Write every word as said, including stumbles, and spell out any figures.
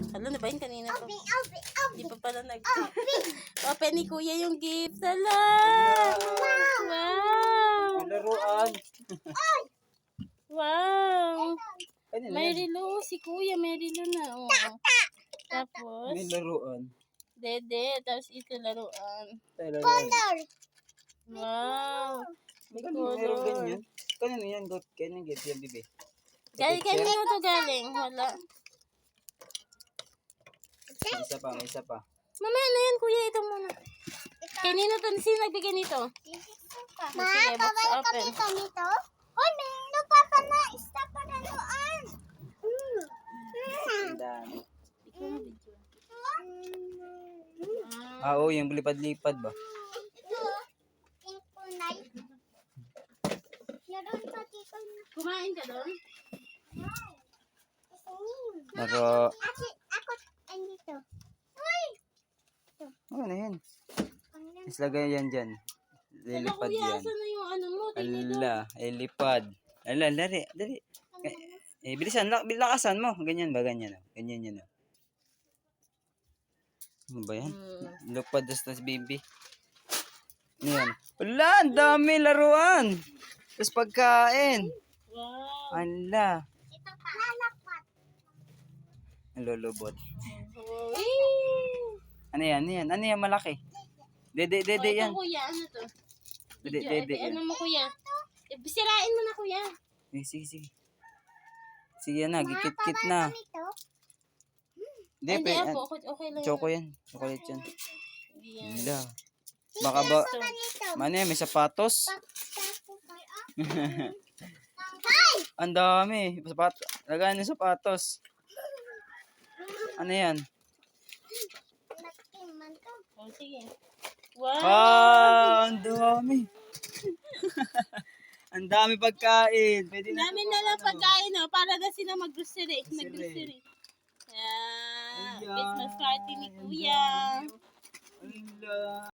Hala, nabahin kanina pa. Hindi pa pala nag open ni Kuya yung gift. Hala! Wow! Laruan. Wow! Kanina May yan. relo. Si Kuya may relo na. Oh. Tapos, May laruan. dede. Tapos ito laruan. Tayo laruan. Wow! May Meron color. ganyan. Kanina yan. Kanina gift yan, bibi. Galing kanino to galing? Wala. May isa pa, may isa pa. Mamaya na yan, Kuya. Ito muna. Kanino to? Sino nagbigay nito? Ma, Sige, box babalik open. kami kanito. Hoy, may nagpapala. Isa pa na luan. Ang dami. Ah, oo, yung lipad-lipad ba? Ito, yung kunay. Meron pa dito na. Kumain ka doon? Naro. Ako, ako, andito. Uy! Ano na yan? Islagay yan dyan. Hala, Lilipad Kuya, yan. asan na yung ano mo? Tinidor. Ala, ilipad. Ala, lari, lari. Eh, eh bilisan, lak, lakasan mo. Ganyan ba, ganyan. Oh. Ganyan yan. Oh. Ano ba yan? Hmm. Lupad tas baby. Ano yan? Ala, ang dami laruan. Tapos pagkain. Wow. Ala, Ito pa. Lalakpat. ang lulubot. Wow. Ano yan? Ano yan? Ano yan malaki? Dede, dede Oh, ito, yan. Kuya, ano to? Dede, Video, dede eh, yan. ano mo, Kuya? Eh, sirain mo na, Kuya. Eh, sige, sige. Sige na, gikit-kit na. Ito. Hindi, Hindi, pe, ako. Okay, okay lang. choco yan. Chocolate yan. Hindi yan. Ala. Baka ba, Ito. ano yan, may sapatos? Hi! Ang dami. Sapat, lagayan ng sapatos. Ano yan? Nagtiman to. Oh, sige. Wow. Ah, ang dami. Ang dami pagkain. Pwede na Namin ito na lang pang ano. pagkain, no? Para na sila mag-grocery. Grocery. Nag-grocery. Yeah. Ayan. Christmas party ni Ang Kuya. dami. Ala.